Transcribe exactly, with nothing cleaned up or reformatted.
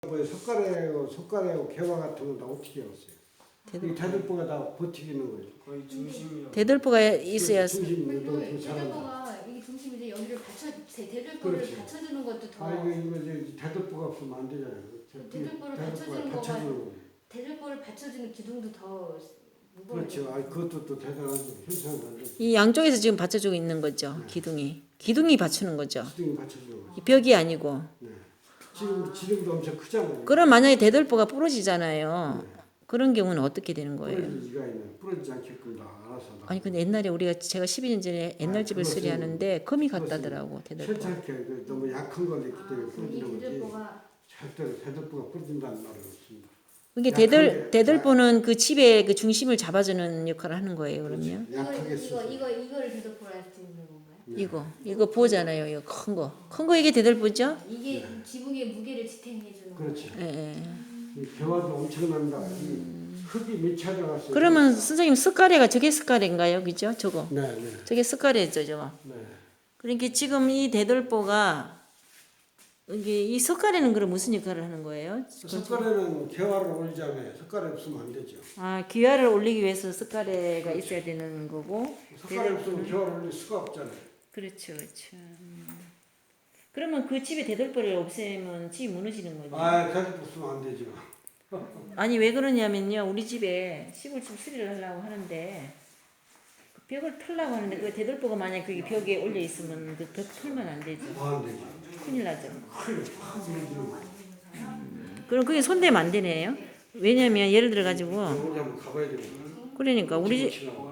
뭐 석가래하고 석가래하고 개화 같은 건 다 어떻게 했어요? 이 대들보가 다 버티기는 거죠. 거의 중심이요. 대들보가 있어야 중심 그리고 운동 그 사람. 대들보가 이게 중심인데 여기를 받쳐 대들보를 그렇지. 받쳐주는 것도 더 아 이거 이거 이제 대들보가 없으면 안 되잖아요. 대들보를 받쳐주는 거가 대들보를 받쳐주는 기둥도 더 무거워요. 그렇죠. 아 그것도 또 대단하죠. 현상을 만들죠. 이 양쪽에서 지금 받쳐주고 있는 거죠. 기둥이. 기둥이 받치는 거죠. 기둥이 받쳐주는 거죠. 이 벽이 아니고. 네. 지금 지금도 엄청 크잖아요. 그럼 만약에 대들보가 부러지잖아요. 그런 경우는 어떻게 되는 거예요? 부러지지가 있네. 부러지지 않게끔 다 알아서. 다. 아니 근데 옛날에 우리가 제가 십이 년 전에 옛날 아, 집을 그것은- 수리하는데 금이 그것은 갔다더라고 대들보. 괜찮게 그 너무 약한 걸 있기 때문에 이 부러지는 거지. 대들보가 절대로 대들보가 부러진다는 말은 없습니다. 그게 약하게- 대들 대들보는 그 집의 그 중심을 잡아주는 역할을 하는 거예요. 그러면 이거 약하게 이거 쓰죠. 이거 이거를 대들보라 할 수 있는 건가요? 네. 이거 이거 보잖아요. 이거 큰 거. 큰 거 이게 대들보죠? 이게 지붕의 무게를 지탱해 주는 그렇죠. 거예요. 예, 예. 이 개화도 엄청납니다. 이 흙이 밑에 들어갔어요. 그러면 선생님 스카레가 저게 스카레인가요? 그죠? 저거. 네, 네, 저게 스카레죠, 저거. 네. 그러니까 지금 이 대들보가 이게 이 석가래는 그럼 무슨 역할을 하는 거예요? 석가래는 개화를 올리자면 석가래 없으면 안 되죠. 아, 기와를 올리기 위해서 석가래가 있어야 되는 거고. 석가래 없으면 개화를 올릴 수가 없잖아요. 그렇죠, 그렇죠. 음. 그러면 그 집에 대들보를 없애면 집이 무너지는 거죠. 아, 가지 없으면 안 되죠. 아니 왜 그러냐면요, 우리 집에 시골집 수리를 하려고 하는데 그 벽을 털려고 하는데 그 대들보가 만약 그게 벽에 올려 있으면 그 벽 털면 안 되죠. 뭐 안 되죠. 큰일 나죠. 큰일 확 무너지는 거죠. 그럼 그게 손대면 안 되네요. 왜냐면 예를 들어 가지고 혼자 한번 가봐야 되고. 그러니까 우리 집 지나고.